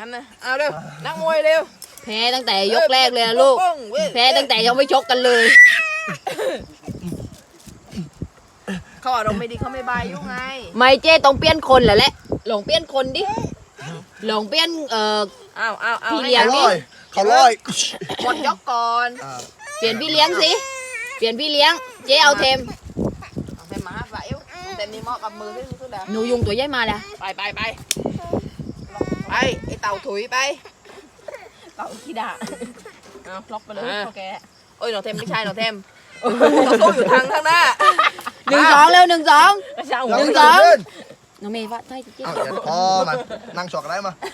อันน่ะเอาเร็วนักมวยเร็วแพ้ตั้งแต่ยกแรกเลยนะลูกแพ้ตั้งแต่ยังไม่ชกกันเลยเขาอารมณ์ไม่ดีเขาไม่บายยุ่งไงไม่เจ้ต้องเปลี่ยนคนแหละหลงเปลี่ยนคนดิหลงเปลี่ยนเอาพี่เลี้ยงดิเขาลอยหมดยกก่อนเปลี่ยนพี่เลี้ยงสิเปลี่ยนพี่เลี้ยงเจ๊เอาเทมเป็นหมาฝ่ายแต่มีหม้อกับมือที่สุดแล้วหนูยุงตัวใหญ่มาแล้วไปไอ้เต่าถุยไปเต่าขี้ด่าเอาล็อกไปเลยโอเคโอ้ยหนูเทมไม่ใช่หนูเทมเราสู้อยู่ทางข้างหน้า 1-2เร็ว1-2น้องเมย์ว่าใช่เจ๊พอมานั่งฉอกอะไรมา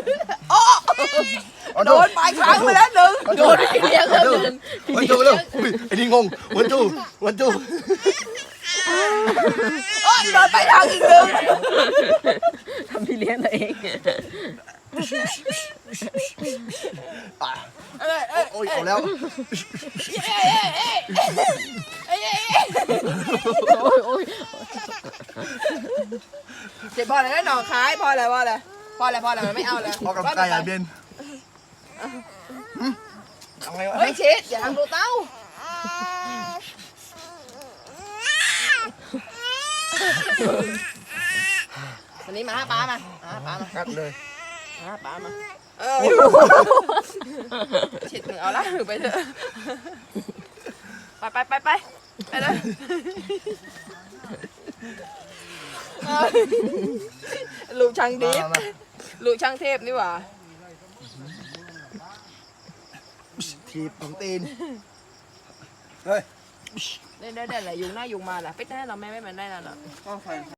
โดนปลายครั้งไปแล้วหนึ่งโดนพี่เลี้ยงแล้วหนึ่งวันจูเร็วไอ้นี่งงวันจูโดนไปทางอีกหนึ่งทำพี่เลี้ยงตัวเองโอ้ยเอาแล้วเจ็บพออะไรได้หนองคายพออะไรมันไม่เอาเลยพอกับไก่อะเบนไม่ชิดอย่าทำดูเต้าวันนี้มาหาป้ามากัดเลยหาป้ามาฉิดมึงเอาละไปเถอะไปเลยลูกช่างดิฟลูกช่างเทพนี่หว่าทีบของตีนเฮ้ยได้แหละยุงหน้ายุงมาแหละไปแน่เราแม่ไม่มันได้แล้ว